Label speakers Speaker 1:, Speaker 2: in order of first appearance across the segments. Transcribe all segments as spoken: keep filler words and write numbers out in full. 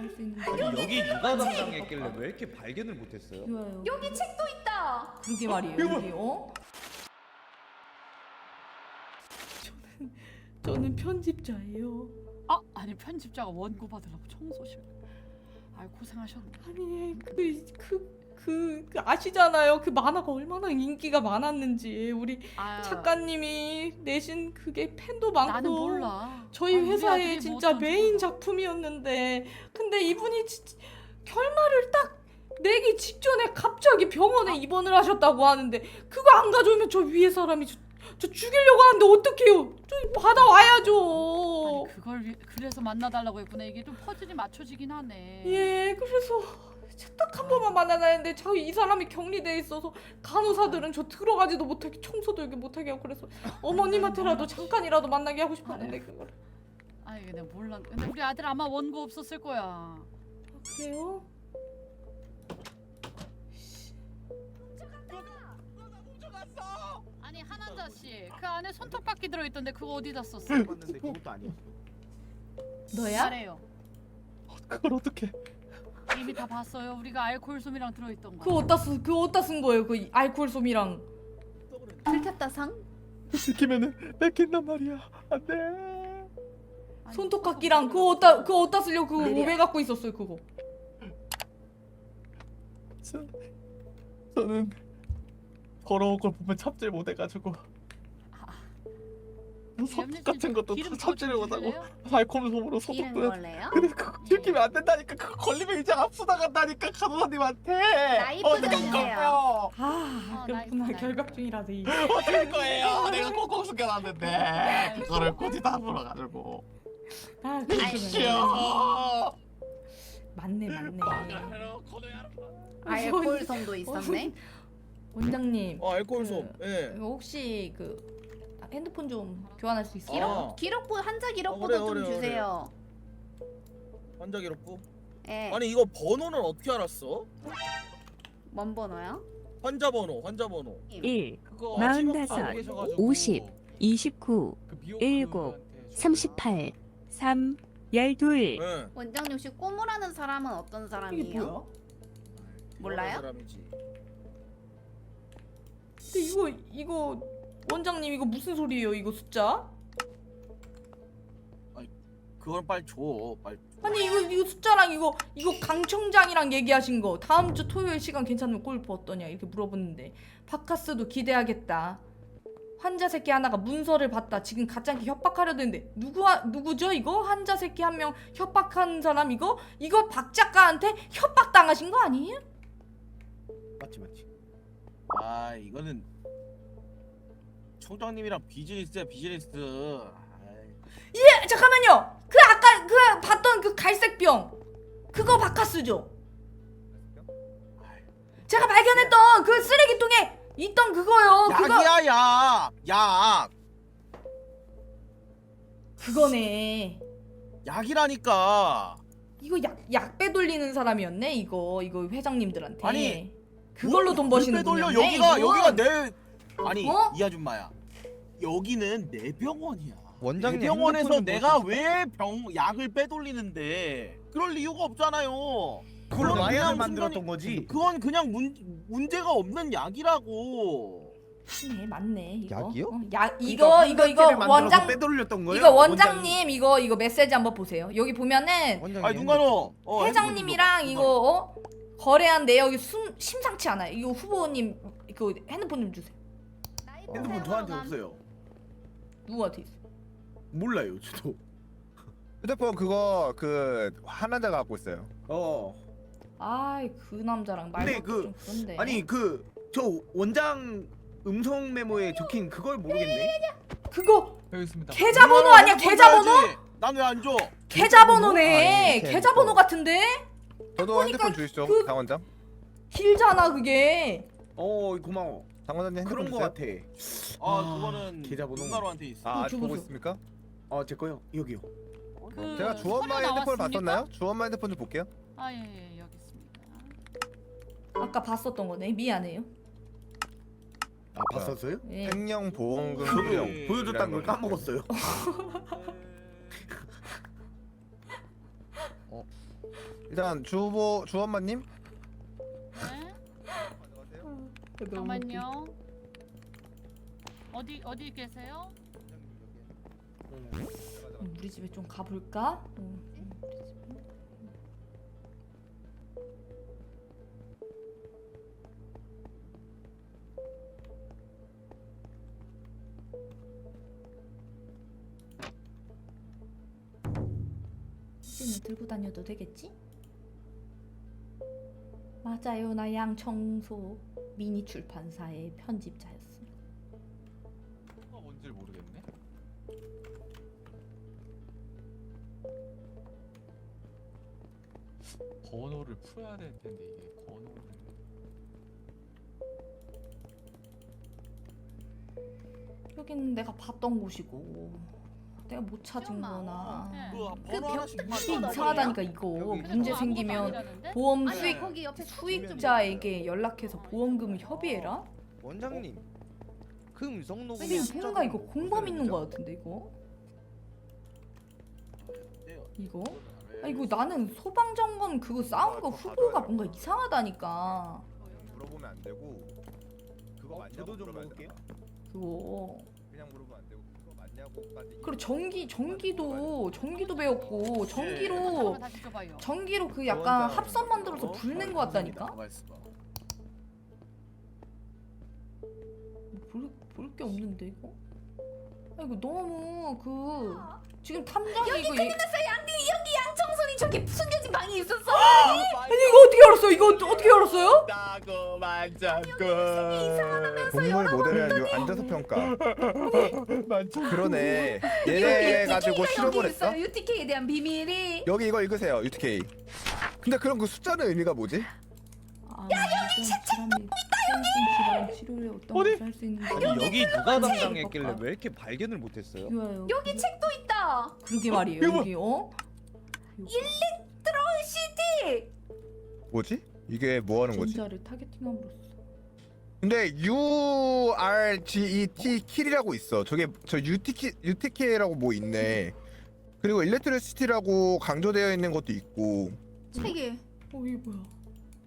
Speaker 1: 할 수 있는
Speaker 2: 아니, 여기 누가 담당했길래 왜 이렇게 발견을 못했어요?
Speaker 1: 좋아요.
Speaker 3: 여기 책도 있다.
Speaker 1: 그러게 말이에요.
Speaker 4: 이거
Speaker 1: 여기 어? 저는 저는 편집자예요.
Speaker 5: 아 아니 편집자가 원고 받으려고 청소실. 아 고생하셨네.
Speaker 1: 아니 그그 그, 그 아시잖아요. 그 만화가 얼마나 인기가 많았는지 우리
Speaker 5: 아,
Speaker 1: 작가님이 내신 그게 팬도 많고
Speaker 5: 나는 몰라.
Speaker 1: 저희
Speaker 5: 아, 우리
Speaker 1: 회사의
Speaker 5: 아들이
Speaker 1: 진짜
Speaker 5: 뭐
Speaker 1: 메인
Speaker 5: 어떤지
Speaker 1: 작품이었는데 근데 이분이 진짜 결말을 딱 내기 직전에 갑자기 병원에 입원을 하셨다고 하는데 그거 안 가져오면 저 위에 사람이 저, 저 죽이려고 하는데 어떡해요? 저 받아와야죠.
Speaker 5: 아니 그걸 위, 그래서 만나달라고 했구나. 이게 좀 퍼즐이 맞춰지긴 하네.
Speaker 1: 예, 그래서 딱 한 번만 만나야 했는데 저 이 사람이 격리돼 있어서 간호사들은 저 들어가지도 못하게 청소도 여기 못하게 하고 그래서 어머님한테라도 잠깐이라도 만나게 하고 싶었는데 그걸.
Speaker 5: 아 이게 내가 몰라. 근데 우리 아들 아마 원고 없었을 거야.
Speaker 1: 아, 그래요?
Speaker 5: 아니 한한자 씨, 그 안에 손톱깎이 들어있던데 그거 어디다 썼어?
Speaker 4: 봤는데 그것도 아니었어.
Speaker 1: 너야?
Speaker 5: 말해요.
Speaker 4: 그걸 어떻게?
Speaker 5: 이미 다 봤어요. 우리가 알코올 솜이랑 들어있던 거.
Speaker 1: 그 어디다 쓴, 그 어디다 쓴 거예요? 그 알코올 솜이랑.
Speaker 3: 들켰다 상.
Speaker 4: 들키면은 뺏긴단 말이야. 안돼.
Speaker 5: 아니,
Speaker 1: 손톱깎이랑 그거 어디다 그거 어디다 쓰려고 그거
Speaker 3: 내려.
Speaker 1: 왜 갖고 있었어요 그거?
Speaker 4: 저, 저는 더러운 걸 보면 참질 못해가지고 소독 같은 것도
Speaker 5: 기름
Speaker 4: 참지를
Speaker 5: 더
Speaker 4: 못하고
Speaker 5: 주실래요?
Speaker 4: 알코올솜으로
Speaker 3: 기름
Speaker 4: 소독도 해.
Speaker 3: 걸래요?
Speaker 4: 근데 그거 들키면 안 된다니까. 그거 걸리면 이제 압수 나간다니까 간호사님한테.
Speaker 3: 나이프
Speaker 4: 어떻게
Speaker 3: 좀
Speaker 4: 할 거예요?
Speaker 1: 아,
Speaker 5: 어,
Speaker 1: 그렇구나.
Speaker 5: 나이스,
Speaker 1: 결각 중이라더니.
Speaker 4: 어떻게 할 거예요? 내가 꽁꽁 숨겨놨는데 그거를 굳이 다 물어가지고.
Speaker 1: 아,
Speaker 4: 이씨요.
Speaker 1: 그렇구나. 맞네, 맞네.
Speaker 3: 알코올솜도 있었네.
Speaker 1: 원장님.
Speaker 6: 어 알코올솜.
Speaker 1: 그,
Speaker 6: 예.
Speaker 1: 이거 혹시 그 핸드폰 좀 교환할 수 있어요?
Speaker 3: 기록
Speaker 6: 어.
Speaker 3: 기록부 한자 기록부도
Speaker 6: 어, 그래,
Speaker 3: 좀
Speaker 6: 그래,
Speaker 3: 주세요.
Speaker 6: 환자 기록부.
Speaker 3: 예.
Speaker 6: 아니 이거 번호는 어떻게 알았어?
Speaker 3: 뭔 번호요?
Speaker 6: 환자 번호, 환자 번호.
Speaker 7: 일,
Speaker 2: 그거
Speaker 7: 마흔다섯,
Speaker 2: 직업 알고 계셔가지고
Speaker 7: 오십, 이십구,
Speaker 2: 그 미용
Speaker 7: 일곱,
Speaker 2: 그분한테
Speaker 7: 삼십팔, 삼, 열둘.
Speaker 6: 예.
Speaker 3: 원장님 혹시 꼬무라는 사람은 어떤
Speaker 1: 이게
Speaker 3: 사람이에요?
Speaker 1: 뭐야?
Speaker 3: 몰라요?
Speaker 6: 사람이지.
Speaker 1: 근데 이거 이거 원장님 이거 무슨 소리예요? 이거 숫자?
Speaker 6: 그건 빨리 줘. 빨리. 줘.
Speaker 1: 아니 이거 이거 숫자랑 이거 이거 강 청장이랑 얘기하신 거 다음 주 토요일 시간 괜찮으면 골프 어떠냐 이렇게 물어보는데 바카스도 기대하겠다. 환자 새끼 하나가 문서를 봤다. 지금 가짜게 협박하려는데 누구 누구죠 이거? 환자 새끼 한 명 협박한 사람 이거? 이거 박 작가한테 협박 당하신 거 아니에요?
Speaker 4: 맞지 맞지.
Speaker 6: 아 이거는 청장님이랑 비즈니스야 비즈니스. 아이.
Speaker 1: 예 잠깐만요. 그 아까 그 봤던 그 갈색 병 그거 바카스죠? 제가 발견했던 그 쓰레기통에 있던 그거요. 그거
Speaker 6: 약이야 약. 약.
Speaker 1: 그거네.
Speaker 6: 약이라니까.
Speaker 1: 이거 약, 약 빼돌리는 사람이었네 이거 이거 회장님들한테.
Speaker 6: 아니,
Speaker 1: 그걸로 돈 버시는
Speaker 6: 돌려
Speaker 1: 분이었네.
Speaker 6: 여기가
Speaker 1: 이거.
Speaker 6: 여기가 내 아니
Speaker 1: 어?
Speaker 6: 이 아줌마야. 여기는 내 병원이야.
Speaker 2: 원장님
Speaker 6: 내 병원에서
Speaker 2: 핸드폰 좀
Speaker 6: 내가
Speaker 2: 보시죠.
Speaker 6: 왜 병 약을 빼돌리는데 그럴 이유가 없잖아요.
Speaker 4: 그걸
Speaker 6: 그건
Speaker 4: 와인을
Speaker 6: 그냥
Speaker 4: 만들었던
Speaker 6: 순간이-
Speaker 4: 거지.
Speaker 6: 그건 그냥 문 문제가 없는 약이라고.
Speaker 1: 네 맞네 이거.
Speaker 2: 약이요?
Speaker 1: 어, 약 이거 이거 이거
Speaker 4: 만들어서
Speaker 1: 원장
Speaker 4: 빼돌렸던 거예요?
Speaker 1: 이거 원장님 이거 이거 메시지 한번 보세요. 여기 보면은
Speaker 2: 원장님
Speaker 6: 아니 눈가노. 어,
Speaker 1: 회장님이랑
Speaker 6: 핸드폰
Speaker 1: 이거 어? 거래한 내역이 숨, 심상치 않아요. 이거 후보님 그 핸드폰 좀 주세요.
Speaker 4: 핸드폰 저한테 없어요.
Speaker 1: 누구한테 있어?
Speaker 4: 몰라요 저도.
Speaker 8: 휴대폰 그거 그 하나자가 갖고 있어요.
Speaker 4: 어.
Speaker 1: 아이 그 남자랑
Speaker 4: 근데
Speaker 1: 말도
Speaker 4: 그-
Speaker 1: 좀 그런데.
Speaker 4: 아니 그 저 원장 음성 메모에 적힌 그걸 모르겠네.
Speaker 1: 그거
Speaker 2: 여기 있습니다.
Speaker 1: 계좌번호 아니야 계좌번호?
Speaker 6: 난왜 안 줘?
Speaker 1: 계좌번호네.
Speaker 8: 아, 이렇게
Speaker 1: 계좌번호 같은데?
Speaker 8: 저도
Speaker 1: 보니까
Speaker 8: 핸드폰 주시죠,
Speaker 1: 그-
Speaker 8: 장 원장.
Speaker 1: 길잖아 그게.
Speaker 4: 어 고마워.
Speaker 8: 장 원장님 핸드폰
Speaker 4: 그런 거
Speaker 8: 주세요.
Speaker 4: 같아.
Speaker 6: 아,
Speaker 4: 아,
Speaker 6: 그거는
Speaker 4: 계좌번호.
Speaker 6: 눈가노한테 있어.
Speaker 8: 아,
Speaker 1: 좀
Speaker 8: 보고
Speaker 1: 보세요.
Speaker 8: 있습니까?
Speaker 4: 어제 거요. 여기요.
Speaker 5: 그
Speaker 8: 제가 주원마
Speaker 5: 서류
Speaker 8: 핸드폰을
Speaker 5: 나왔습니까?
Speaker 8: 봤었나요? 주원마 핸드폰 좀 볼게요.
Speaker 5: 아예 예, 여기 있습니다.
Speaker 1: 아까 봤었던 거네. 미안해요.
Speaker 4: 아 봤었어요?
Speaker 1: 예.
Speaker 8: 생명 보험금
Speaker 4: 저도
Speaker 8: 수령.
Speaker 4: 보여줬다는 걸 까먹었어요.
Speaker 8: 일단 주보 주엄마님.
Speaker 5: 네? 잠깐만요. 어디 어디 계세요?
Speaker 1: 음, 우리 집에 좀 가볼까? 음, 음, 우리 집에. 휴지는 들고 다녀도 되겠지? 맞아요, 나 양청소 미니 출판사의 편집자였습니다.
Speaker 4: 뭐가 뭔지 모르겠네. 번호를 풀어야 될 텐데 이게 번호를.
Speaker 1: 여기는 내가 봤던 곳이고 내가 못 찾은
Speaker 3: 기억나.
Speaker 1: 거나
Speaker 5: 네.
Speaker 6: 그
Speaker 3: 그
Speaker 6: 번호 하나씩만
Speaker 3: 벽
Speaker 1: 이게
Speaker 3: 뜯는
Speaker 1: 이상하다니까 이거
Speaker 2: 여기
Speaker 5: 근데
Speaker 1: 문제
Speaker 5: 그거
Speaker 1: 생기면
Speaker 5: 아무것도 아니라는데?
Speaker 1: 보험
Speaker 3: 아니
Speaker 1: 수익
Speaker 3: 거기 옆에
Speaker 1: 수익자에게 연락해서 보험금을 협의해라?
Speaker 2: 원장님 그 음성 녹음
Speaker 1: 이게 뭔가 이거 공범 있는 거 같은데 이거? 이거? 아 이거 나는 소방점검 그거 싸운 거 후보가 뭔가 이상하다니까
Speaker 8: 물어보면 안 되고 그거
Speaker 2: 어,
Speaker 8: 맞냐고
Speaker 2: 저도 좀
Speaker 8: 물어봐야
Speaker 2: 먹을게요.
Speaker 8: 된다.
Speaker 1: 그거
Speaker 8: 그냥 물어보면 안 되고 그거 맞냐고까지.
Speaker 1: 그리고 전기 전기도 전기도 배웠고 전기로
Speaker 5: 한번 다시 줘봐요.
Speaker 1: 전기로 그 약간 합선 만들어서 불낸 거 같다니까? 볼 게 없는데 이거? 아 이거 너무 그 지금 탐정이
Speaker 3: 여기
Speaker 1: 이거
Speaker 3: 큰일
Speaker 1: 얘-
Speaker 3: 났어요. 양디 여기 양청소니 저기 숨겨진 방이 있었어.
Speaker 1: 아니 이거 어떻게 알았어? 이거 어떻게 알았어요?
Speaker 6: 나고 만졌고.
Speaker 8: 동물 모델을 요 앉아서 평가. 그러네. 얘네 가지고 실험을 했어?
Speaker 3: 유티케이에 대한 비밀이.
Speaker 8: 여기 이거 읽으세요. 유티케이. 근데 그럼 그 숫자는 의미가 뭐지?
Speaker 1: 야 여기 책도 있다 여기. 치료를 어떤 것을 할수 있는지
Speaker 2: 아니 여기 누가
Speaker 1: 뭐지?
Speaker 2: 담당했길래
Speaker 1: 볼까?
Speaker 2: 왜 이렇게 발견을 못했어요?
Speaker 1: 비교해요.
Speaker 3: 여기 책도 있다.
Speaker 1: 그러게 말이에요.
Speaker 6: 이거
Speaker 1: 여기 어?
Speaker 3: 시티.
Speaker 8: 뭐지? 이게 뭐 하는 거지?
Speaker 1: 전자를 타겟팅함으로써
Speaker 8: 근데 U R G E T 킬이라고 있어. 저게 저 유티키 유티케이라고 뭐 있네. 그리고 일렉트리시티라고 강조되어 있는 것도 있고.
Speaker 3: 책이.
Speaker 1: 어 이게 뭐야?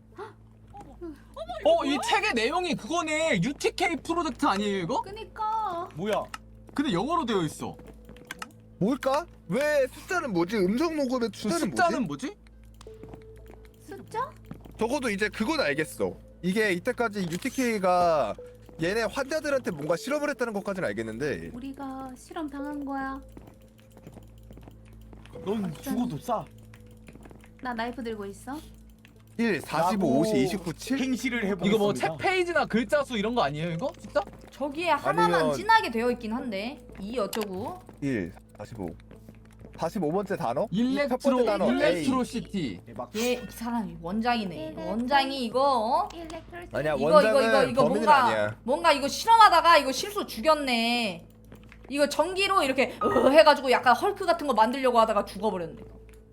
Speaker 4: 어, 이 책의 내용이 그거네. 유티케이 프로젝트 아니에요, 이거?
Speaker 3: 그니까.
Speaker 6: 뭐야?
Speaker 4: 근데 영어로 되어 있어.
Speaker 8: 뭘까? 왜 숫자는 뭐지? 음성 녹음의
Speaker 4: 그
Speaker 8: 숫자는
Speaker 4: 숫자는
Speaker 8: 뭐지?
Speaker 4: 뭐지?
Speaker 3: 숫자?
Speaker 8: 적어도 이제 그건 알겠어. 이게 이때까지 유티케이가 얘네 환자들한테 뭔가 실험을 했다는 것까지는 알겠는데
Speaker 3: 우리가 실험 당한 거야.
Speaker 6: 넌 죽어도 싸.
Speaker 3: 나 나이프 들고 있어.
Speaker 8: 일, 사십오, 오십, 이십구, 칠?
Speaker 6: 행시를 해보겠습니다.
Speaker 4: 이거 뭐 책 페이지나 글자 수 이런 거 아니에요, 이거? 숫자?
Speaker 1: 저기에 하나만
Speaker 8: 아니면-
Speaker 1: 진하게 되어 있긴 한데 이 어쩌고
Speaker 8: 일, 사십오. 사십오 번째 단어? 첫
Speaker 4: 일렉트로
Speaker 8: 번째 단어 A.
Speaker 4: 일렉트로시티.
Speaker 6: 대박.
Speaker 1: 얘 이 사람이 원장이네.
Speaker 3: 네,
Speaker 1: 원장이 이거 어?
Speaker 3: 일렉트로시티.
Speaker 8: 아니야
Speaker 1: 이거
Speaker 8: 원장은
Speaker 1: 이거 이거 이거
Speaker 8: 범인은
Speaker 1: 뭔가
Speaker 8: 아니야.
Speaker 1: 뭔가 이거 실험하다가 이거 실수 죽였네. 이거 전기로 이렇게 으 해가지고 약간 헐크 같은 거 만들려고 하다가 죽어버렸네.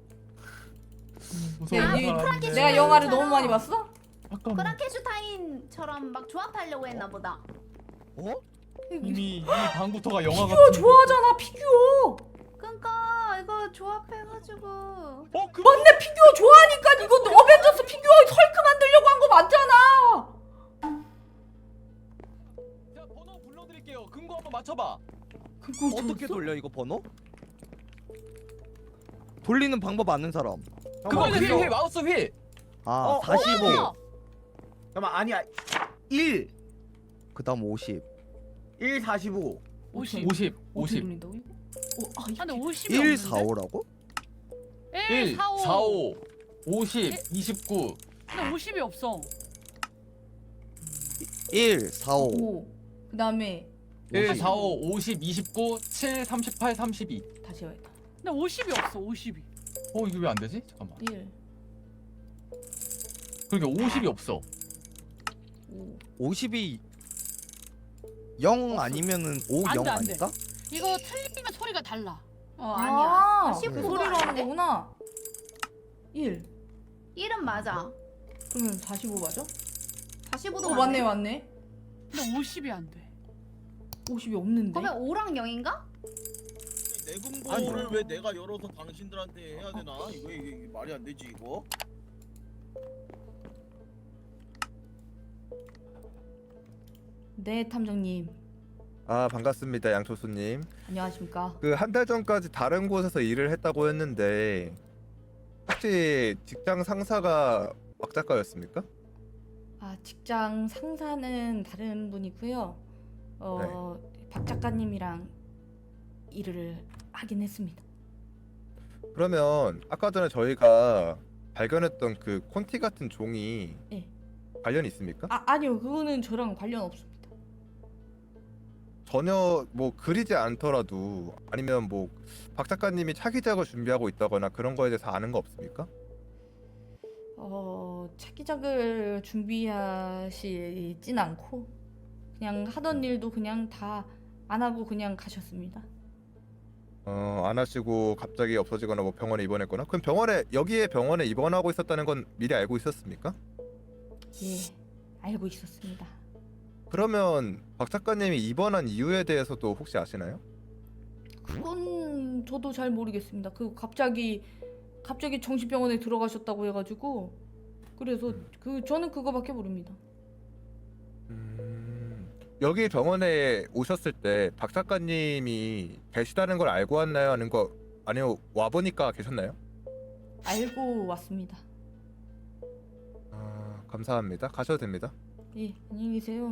Speaker 4: 무서워.
Speaker 1: 야, 이-
Speaker 3: 프랑켄슈타인
Speaker 1: 내가 영화를
Speaker 3: 처럼
Speaker 1: 너무 많이 봤어?
Speaker 4: 잠깐만.
Speaker 3: 프랑켄슈타인처럼 막 조합하려고 했나 보다.
Speaker 2: 어?
Speaker 4: 이미 이 방부터가 영화 같은.
Speaker 1: 피규어 좋아하잖아 피규어.
Speaker 3: 그러니까 이거 조합해가지고.
Speaker 4: 어, 그
Speaker 1: 맞네 피규어 좋아하니까 이거 어벤져스 피규어 헐크 만들려고 한 거 맞잖아.
Speaker 4: 자, 번호 불러드릴게요. 근거 한번 맞춰봐.
Speaker 1: 그거
Speaker 2: 어떻게
Speaker 1: 줬어?
Speaker 2: 돌려 이거 번호? 돌리는 방법 아는 사람.
Speaker 4: 그거 휠,
Speaker 6: 그거-
Speaker 4: 휠, 마우스 휠.
Speaker 2: 아
Speaker 6: 어, 어,
Speaker 2: 사십오.
Speaker 5: 어,
Speaker 6: 잠깐만 아니야. 일,
Speaker 2: 그다음 오십.
Speaker 6: 일, 사십오.
Speaker 5: 오십.
Speaker 4: 오십,
Speaker 1: 어떻게
Speaker 4: 오십.
Speaker 1: 돌린다고 이거? 어, 아,
Speaker 5: 아, 근데
Speaker 1: 이게
Speaker 5: 오십이
Speaker 2: 일,
Speaker 5: 없는데?
Speaker 2: 사오라고?
Speaker 5: 일,
Speaker 4: 일,
Speaker 5: 사오.
Speaker 4: 사오, 오십,
Speaker 5: 일?
Speaker 4: 이십구.
Speaker 5: 근데 오십이 없어.
Speaker 2: 일, 사오.
Speaker 1: 오. 그다음에
Speaker 4: 일,
Speaker 2: 오십.
Speaker 4: 사오, 오십, 이십구, 칠, 삼십팔, 삼십이.
Speaker 1: 다시 해야겠다.
Speaker 5: 근데 오십이 없어. 오십이.
Speaker 4: 어, 이게 왜 안 되지? 잠깐만.
Speaker 1: 일,
Speaker 4: 그러니까 오십이 없어.
Speaker 1: 오.
Speaker 2: 오십이 영 아니면은 오,
Speaker 5: 안
Speaker 2: 영
Speaker 5: 돼, 안 돼.
Speaker 2: 아닐까?
Speaker 5: 이거 틀리면 소리가 달라.
Speaker 3: 어
Speaker 1: 아,
Speaker 3: 아니야.
Speaker 1: 그
Speaker 3: 십구가
Speaker 1: 소리로 하는
Speaker 3: 아닌데?
Speaker 1: 거구나. 일.
Speaker 3: 일은 맞아.
Speaker 1: 그러면 사십오 맞아?
Speaker 3: 사십오도
Speaker 1: 어 맞네 맞네.
Speaker 5: 근데 오십이 안 돼.
Speaker 1: 오십이 없는데.
Speaker 3: 그러면 오랑 영인가?
Speaker 6: 내금고를 왜 내가 열어서 당신들한테 해야 되나? 이거 이게, 이게 말이 안 되지 이거.
Speaker 1: 네, 탐정님.
Speaker 8: 아 반갑습니다 양초수님.
Speaker 1: 안녕하십니까?
Speaker 8: 그 한 달 전까지 다른 곳에서 일을 했다고 했는데 혹시 직장 상사가 박 작가였습니까?
Speaker 1: 아, 직장 상사는 다른 분이고요. 어, 박 작가님이랑 일을 하긴 했습니다.
Speaker 8: 그러면 아까 전에 저희가 발견했던 그 콘티 같은 종이
Speaker 1: 예.
Speaker 8: 관련이 있습니까?
Speaker 1: 아, 아니요. 그거는 저랑 관련 없습니다.
Speaker 8: 전혀 뭐 그리지 않더라도 아니면 뭐 박 작가님이 차기작을 준비하고 있다거나 그런 거에 대해서 아는 거 없습니까?
Speaker 1: 어, 차기작을 준비하시진 않고 그냥 하던 일도 그냥 다 안 하고 그냥 가셨습니다.
Speaker 8: 어, 안 하시고 갑자기 없어지거나 뭐 병원에 입원했거나 그럼 병원에 여기에 병원에 입원하고 있었다는 건 미리 알고 있었습니까?
Speaker 1: 예, 알고 있었습니다.
Speaker 8: 그러면 박 작가님이 입원한 이유에 대해서도 혹시 아시나요?
Speaker 1: 그건 저도 잘 모르겠습니다. 그 갑자기 갑자기 정신병원에 들어가셨다고 해가지고 그래서 그 저는 그거밖에 모릅니다.
Speaker 8: 음, 여기 병원에 오셨을 때 박 작가님이 계시다는 걸 알고 왔나요? 아니면 거 아니요 와 보니까 계셨나요?
Speaker 1: 알고 왔습니다.
Speaker 8: 아, 감사합니다. 가셔도 됩니다.
Speaker 1: 예, 안녕히 계세요.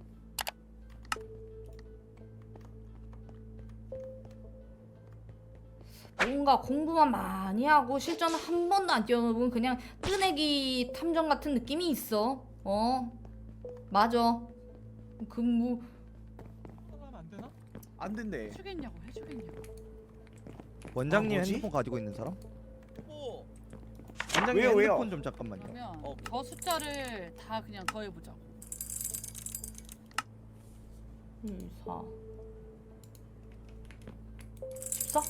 Speaker 1: 뭔가 공부만 많이 하고 실전 한 번도 안 뛰어본 그냥 뜨내기 탐정 같은 느낌이 있어. 어, 맞아. 그뭐
Speaker 4: 안 되나?
Speaker 6: 안 된대.
Speaker 5: 해주겠냐고 해주겠냐고.
Speaker 2: 원장님
Speaker 6: 아, 뭐지?
Speaker 2: 핸드폰 가지고 있는 사람?
Speaker 6: 뭐?
Speaker 2: 원장님
Speaker 6: 왜요, 왜요?
Speaker 2: 핸드폰 좀 잠깐만요.
Speaker 5: 그러면
Speaker 6: 어.
Speaker 5: 저 숫자를 다 그냥 더해보자고.
Speaker 1: 일, 사, 십사?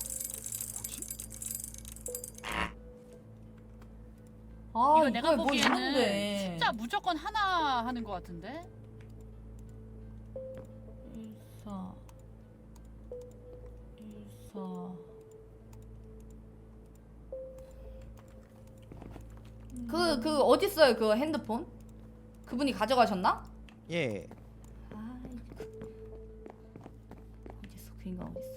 Speaker 1: 아,
Speaker 5: 이거 내가
Speaker 1: 뭐
Speaker 5: 보기에는
Speaker 1: 있는데.
Speaker 5: 숫자 무조건 하나 하는 것 같은데.
Speaker 1: 일, 사, 일, 사. 그, 그, 어딨어요, 그 핸드폰? 그분이 가져가셨나?
Speaker 2: 예.
Speaker 1: 아, 어딨어, 그 인간 어딨어.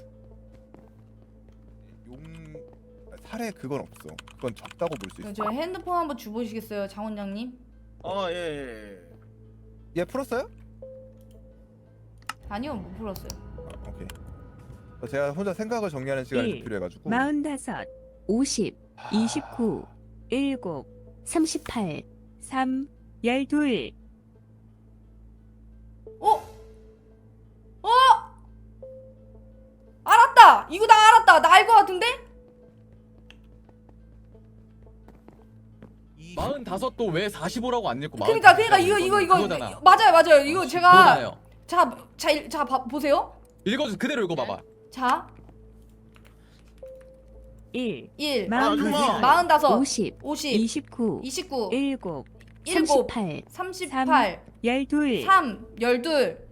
Speaker 8: 용 살에 그건 없어. 그건 적다고 볼 수 있어.
Speaker 1: 저 핸드폰 한번 주보시겠어요, 장 원장님?
Speaker 6: 아 예. 예.
Speaker 8: 얘 풀었어요?
Speaker 1: 아니요, 못 풀었어요.
Speaker 8: 아, 오케이. 제가 혼자 생각을 정리하는 시간이 좀
Speaker 7: 일,
Speaker 8: 필요해가지고.
Speaker 7: 마흔다섯, 오십, 이십구, 일곱, 삼십팔, 삼, 열둘.
Speaker 1: 어? 어? 알았다! 이거 나 알았다! 나 알 것 같은데?
Speaker 4: 마흔다섯도 왜 사십오라고 안 읽고
Speaker 1: 그니까, 그니까, 이거, 이거, 이거.
Speaker 4: 그거잖아.
Speaker 1: 맞아요, 맞아요. 이거 제가.
Speaker 4: 그거잖아요.
Speaker 1: 자, 자, 일- 자, 봐, 보세요.
Speaker 4: 읽어주 그대로 읽어봐봐.
Speaker 1: 자,
Speaker 7: 일,
Speaker 1: 일,
Speaker 7: 마흔다섯,
Speaker 1: 마흔다섯,
Speaker 7: 오십,
Speaker 1: 오십,
Speaker 7: 이십구,
Speaker 1: 이십구,
Speaker 7: 일곱,
Speaker 1: 일곱,
Speaker 7: 삼십팔,
Speaker 1: 삼십팔,
Speaker 7: 열둘.
Speaker 1: 삼, 열둘.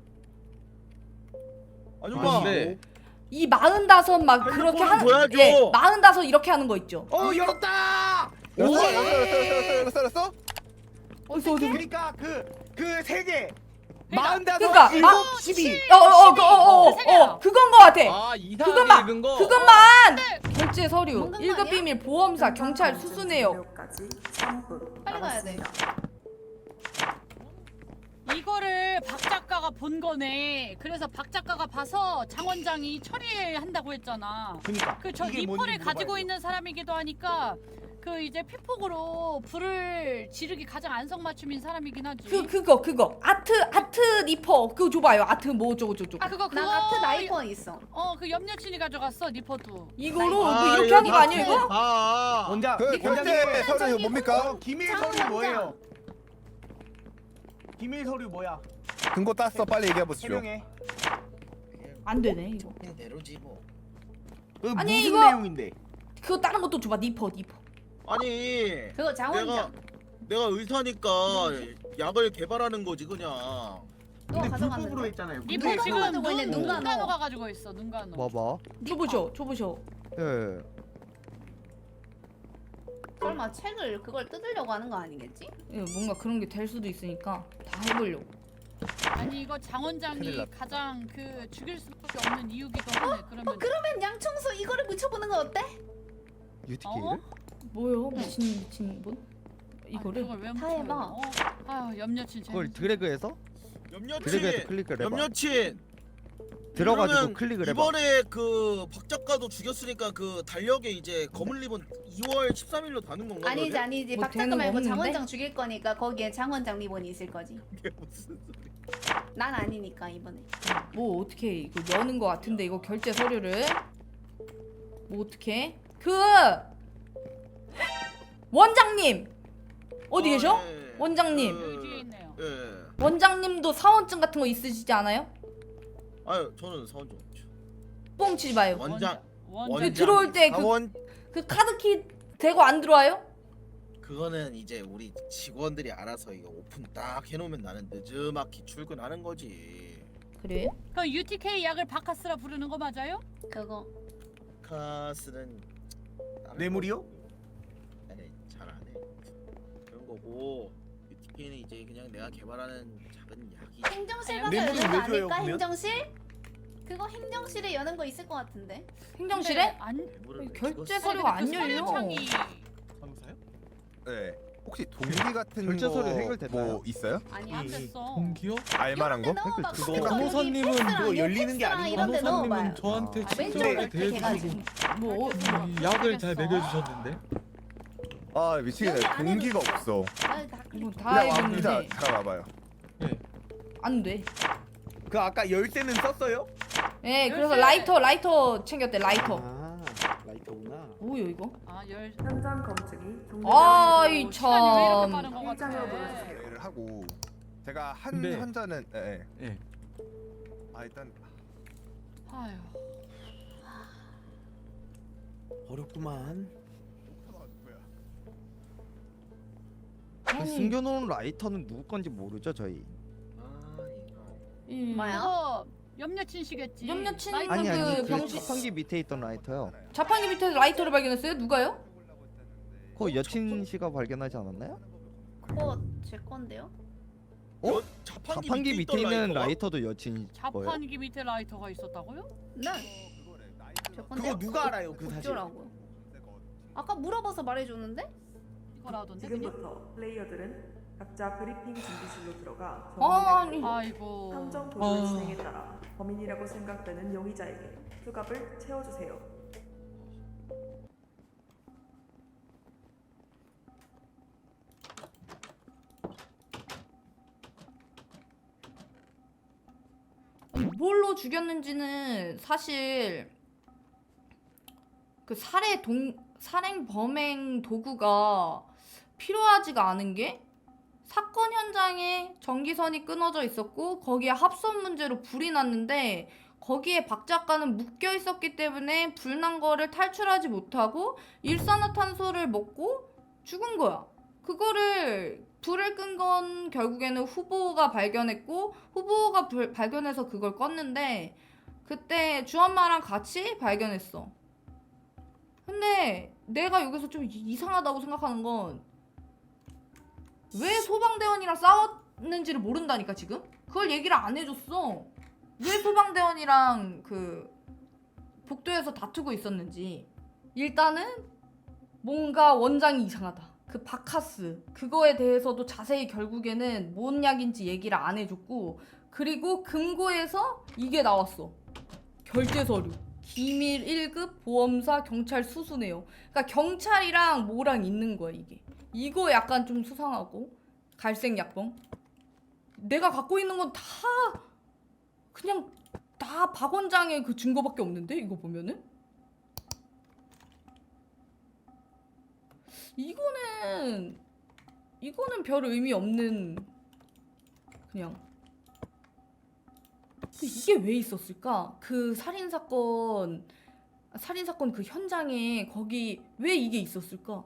Speaker 6: 아줌마.
Speaker 4: 근데
Speaker 1: 이 마흔다섯 막
Speaker 6: 아니,
Speaker 1: 그렇게
Speaker 6: 그걸
Speaker 1: 하는,
Speaker 6: 줘야죠.
Speaker 1: 예, 마흔다섯 이렇게 하는 거 있죠.
Speaker 6: 어 열었다.
Speaker 8: 열었어, 열었어, 열었어, 열었어, 열었어.
Speaker 1: 어디서, 어디?
Speaker 6: 그러니까 그그 세 개.
Speaker 5: 그러니까,
Speaker 6: 마흔다섯,
Speaker 1: 그러니까,
Speaker 6: 일곱,
Speaker 1: 마-
Speaker 6: 십이.
Speaker 1: 어, 어, 어, 어, 어,
Speaker 5: 세 개야.
Speaker 1: 어, 그건 거 같아.
Speaker 4: 아 이상하게
Speaker 1: 그것만,
Speaker 4: 읽은 거.
Speaker 1: 그것만. 결제 서류,
Speaker 3: 뭔가
Speaker 1: 일 급
Speaker 3: 아니야?
Speaker 1: 비밀, 보험사, 경찰, 수수 내역.
Speaker 3: 빨리 가야 돼.
Speaker 5: 이거를 박 작가가 본 거네. 그래서 박 작가가 봐서 장 원장이 처리한다고 했잖아.
Speaker 6: 그러니까.
Speaker 5: 그 저
Speaker 6: 이게
Speaker 5: 니퍼를
Speaker 6: 뭔지
Speaker 5: 가지고
Speaker 6: 물어봐야죠.
Speaker 5: 있는 사람이기도 하니까 그 이제 피폭으로 불을 지르기 가장 안성맞춤인 사람이긴 하지.
Speaker 1: 그, 그거, 그거. 아트, 아트 니퍼. 그거 줘봐요. 아트 뭐 어쩌고 저쩌고.
Speaker 5: 아 그거 그거
Speaker 3: 난 아트 나이퍼 있어.
Speaker 5: 어그 염려친이 가져갔어 니퍼도.
Speaker 1: 이거로 뭐
Speaker 6: 아,
Speaker 1: 이렇게
Speaker 6: 이거
Speaker 1: 하는 거
Speaker 6: 다
Speaker 1: 아니에요, 이거?
Speaker 6: 아.
Speaker 9: 원장,
Speaker 8: 그 결제 서류 뭡니까?
Speaker 6: 어, 기밀 서류 뭐예요? 기밀 서류 뭐야?
Speaker 8: 근거 땄어. 빨리 얘기해 보시죠.
Speaker 6: 해명해.
Speaker 1: 안 되네, 이거.
Speaker 6: 그냥 내려지 뭐. 그
Speaker 1: 아니,
Speaker 6: 무슨
Speaker 1: 이거-
Speaker 6: 내용인데?
Speaker 1: 그거 다른 것도 줘봐. 니퍼, 니퍼.
Speaker 6: 아니
Speaker 3: 그거 장
Speaker 6: 내가
Speaker 3: 원장.
Speaker 6: 내가 의사니까 약을 개발하는 거지 그냥. 근데 불법으로
Speaker 3: 가져갔는데.
Speaker 6: 했잖아요.
Speaker 5: 니
Speaker 6: 근데
Speaker 5: 뭐 지금
Speaker 3: 가지고
Speaker 5: 눈,
Speaker 3: 있네, 눈간호.
Speaker 5: 눈간호가 가지고 있어 눈간호.
Speaker 2: 봐봐.
Speaker 1: 줘보셔, 줘보셔.
Speaker 2: 예.
Speaker 3: 설마 책을 그걸 뜯으려고 하는 거 아니겠지?
Speaker 1: 예, 뭔가 그런 게 될 수도 있으니까 다 해보려고.
Speaker 5: 아니 이거 장
Speaker 2: 큰일
Speaker 5: 원장이
Speaker 2: 났다.
Speaker 5: 가장 그 죽일 수밖에 없는 이유기도 하네. 그러면
Speaker 3: 어 그러면 양청소 이거를 묻혀보는 거 어때?
Speaker 2: 유티케이를?
Speaker 5: 어?
Speaker 1: 뭐요? 미친 미친 분? 이거를?
Speaker 5: 아니, 그걸 왜
Speaker 3: 다
Speaker 5: 묻혀요?
Speaker 3: 해봐.
Speaker 5: 어? 아유 염려친
Speaker 2: 그걸
Speaker 5: 재밌어.
Speaker 2: 드래그해서?
Speaker 6: 염려친.
Speaker 2: 드래그해서 클릭을 해봐.
Speaker 6: 염려친.
Speaker 2: 들어가지고
Speaker 6: 그러면
Speaker 2: 클릭을 해봐.
Speaker 6: 이번에 그 박 작가도 죽였으니까 그 달력에 이제 검은 리본 이월 십삼일로 다는 건가?
Speaker 3: 아니지
Speaker 6: 그러면?
Speaker 3: 아니지.
Speaker 1: 뭐
Speaker 3: 박 작가
Speaker 1: 되는 거
Speaker 3: 말고
Speaker 1: 없는데?
Speaker 3: 장원장 죽일 거니까 거기에 장원장 리본이 있을 거지.
Speaker 6: 이게 무슨 소리?
Speaker 3: 난 아니니까 이번에.
Speaker 1: 뭐 어떻게 이거 여는 거 같은데 이거 결제 서류를 뭐 어떻게? 그 원장님 어디
Speaker 6: 아,
Speaker 1: 계셔?
Speaker 6: 네.
Speaker 1: 원장님.
Speaker 6: 그,
Speaker 5: 여기 뒤에 있네요.
Speaker 6: 예.
Speaker 1: 원장님도 사원증 같은 거 있으시지 않아요?
Speaker 6: 아유 저는 사원장 없죠.
Speaker 1: 뻥치지 마요.
Speaker 6: 원장.
Speaker 5: 원장.
Speaker 1: 그 들어올 때 그
Speaker 6: 사원
Speaker 1: 그 카드키 대고 안 들어와요?
Speaker 6: 그거는 이제 우리 직원들이 알아서 이거 오픈 딱 해놓으면 나는 늦지막히 출근하는 거지.
Speaker 1: 그래요?
Speaker 5: 그 유티케이 약을 바카스라 부르는 거 맞아요?
Speaker 3: 그거.
Speaker 6: 카스는 다른
Speaker 8: 뇌물이요?
Speaker 6: 거고. 아니 잘안 해. 그런 거고 유티케이는 이제 그냥 내가 개발하는 작은 약이.
Speaker 3: 행정실
Speaker 5: 아니,
Speaker 3: 가서
Speaker 8: 뇌물은
Speaker 3: 여는 거
Speaker 8: 왜 줘요,
Speaker 3: 아닐까?
Speaker 8: 그러면?
Speaker 3: 행정실? 그거 행정실에 여는 거 있을 것 같은데.
Speaker 1: 행정실에?
Speaker 5: 안
Speaker 6: 뇌물을 왜
Speaker 1: 결제
Speaker 6: 찍었어?
Speaker 1: 서류가 안
Speaker 5: 그
Speaker 1: 열려.
Speaker 5: 서류창이
Speaker 6: 상사요?
Speaker 8: 네. 혹시 동기 같은
Speaker 2: 결제
Speaker 8: 거
Speaker 2: 서류 해결됐나요?
Speaker 8: 뭐 있어요?
Speaker 3: 아니
Speaker 5: 안
Speaker 3: 안
Speaker 5: 됐어.
Speaker 9: 동기요?
Speaker 8: 알만한 거?
Speaker 3: 넣어봐.
Speaker 2: 그거
Speaker 3: 컴퓨터
Speaker 9: 간호사님은
Speaker 3: 여기 팩스랑
Speaker 9: 그거
Speaker 6: 열리는 게
Speaker 3: 팩스랑
Speaker 6: 아니고
Speaker 3: 이런 데 넣어봐요.
Speaker 9: 간호사님은 저한테
Speaker 2: 아,
Speaker 3: 왼쪽으로
Speaker 9: 친절하게
Speaker 3: 이렇게
Speaker 9: 대해주시고
Speaker 3: 해가지고.
Speaker 1: 뭐 어,
Speaker 9: 이 약을 잘 먹여주셨는데
Speaker 8: 아
Speaker 3: 여기
Speaker 8: 미치겠네.
Speaker 3: 안에는
Speaker 8: 동기가 없어.
Speaker 3: 아, 다 클릭.
Speaker 1: 이거 다
Speaker 8: 야 왕기자
Speaker 1: 알겠는데
Speaker 8: 잠깐 와봐요.
Speaker 1: 안 돼.
Speaker 2: 그 아까 열쇠는 썼어요?
Speaker 1: 예, 그래서
Speaker 5: 열쇠.
Speaker 1: 라이터 라이터 챙겼대 라이터.
Speaker 2: 아 라이터구나.
Speaker 1: 뭐요 이거?
Speaker 5: 아 열.
Speaker 10: 현장 검증이
Speaker 1: 아이
Speaker 5: 어, 시간이 왜 이렇게
Speaker 1: 참.
Speaker 5: 빠른 거 같아.
Speaker 10: 일장을 보여주세요.
Speaker 8: 대회를 하고 제가 한
Speaker 9: 근데-
Speaker 8: 환자는 예. 예.
Speaker 9: 예.
Speaker 8: 아 일단
Speaker 5: 아유.
Speaker 6: 어렵구만.
Speaker 2: 그
Speaker 1: 아니,
Speaker 2: 숨겨놓은 라이터는 누구 건지 모르죠 저희.
Speaker 6: 아 이거.
Speaker 1: 이-
Speaker 3: 뭐야?
Speaker 5: 그거 염려친 씨겠지.
Speaker 1: 염려친
Speaker 5: 라이터
Speaker 2: 아니 아니
Speaker 1: 그
Speaker 2: 그
Speaker 1: 병실-
Speaker 2: 자판기 밑에 있던 라이터요.
Speaker 1: 자판기 밑에 라이터를 발견했어요? 누가요?
Speaker 2: 그거 여친 씨가 발견하지 않았나요?
Speaker 3: 그거 제 건데요?
Speaker 2: 어?
Speaker 6: 어? 자판기,
Speaker 2: 자판기 밑에 있는
Speaker 6: 라이터가?
Speaker 2: 라이터도 여친 거예요?
Speaker 5: 자판기 밑에 라이터가 있었다고요?
Speaker 3: 네. 제 건데.
Speaker 6: 그거 누가 알아요 그 사실?
Speaker 3: 어쩌라고요? 아까 물어봐서 말해줬는데?
Speaker 5: 이거라던데 그냥?
Speaker 10: 지금부터 플레이어들은 각자 브리핑 준비실로 들어가
Speaker 1: 아니.
Speaker 5: 아이고.
Speaker 10: 탐정 도전
Speaker 9: 아.
Speaker 10: 진행에 따라 범인이라고 생각되는 용의자에게 수갑을 채워주세요.
Speaker 1: 뭘로 죽였는지는 사실 그 살해 동 살행 범행 도구가 필요하지가 않은 게 사건 현장에 전기선이 끊어져 있었고 거기에 합선 문제로 불이 났는데 거기에 박 작가는 묶여 있었기 때문에 불난 거를 탈출하지 못하고 일산화탄소를 먹고 죽은 거야. 그거를 불을 끈 건 결국에는 후보가 발견했고 후보가 불, 발견해서 그걸 껐는데 그때 주엄마랑 같이 발견했어. 근데 내가 여기서 좀 이- 이상하다고 생각하는 건 왜 소방대원이랑 싸웠는지를 모른다니까 지금? 그걸 얘기를 안 해줬어. 왜 소방대원이랑 그 복도에서 다투고 있었는지. 일단은 뭔가 원장이 이상하다. 그 바카스 그거에 대해서도 자세히 결국에는 뭔 약인지 얘기를 안 해줬고 그리고 금고에서 이게 나왔어. 결제 서류. 기밀 일 급 보험사 경찰 수수네요. 그러니까 경찰이랑 뭐랑 있는 거야 이게. 이거 약간 좀 수상하고 갈색 약봉. 내가 갖고 있는 건 다 그냥 다 박 원장의 그 증거밖에 없는데 이거 보면은 이거는 이거는 별 의미 없는 그냥 근데 이게 왜 있었을까? 그 살인 사건 살인 사건 그 현장에 거기 왜 이게 있었을까?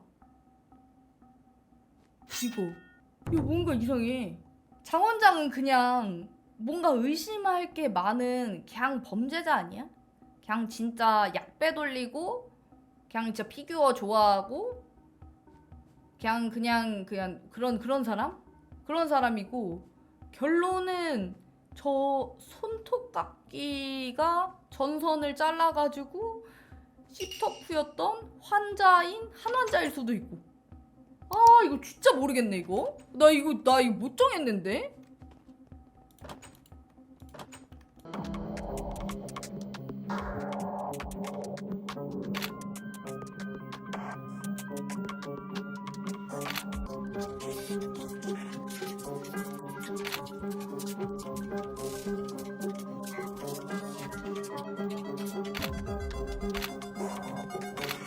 Speaker 1: 이거 이거 뭔가 이상해. 장 원장은 그냥 뭔가 의심할 게 많은 그냥 범죄자 아니야? 그냥 진짜 약배 돌리고 그냥 진짜 피규어 좋아하고 그냥 그냥 그냥 그런 그런 사람? 그런 사람이고 결론은 저 손톱깎이가 전선을 잘라가지고 시터프였던 환자인 한 환자일 수도 있고. 아 이거 진짜 모르겠네 이거. 나 이거 나 이거 못 정했는데.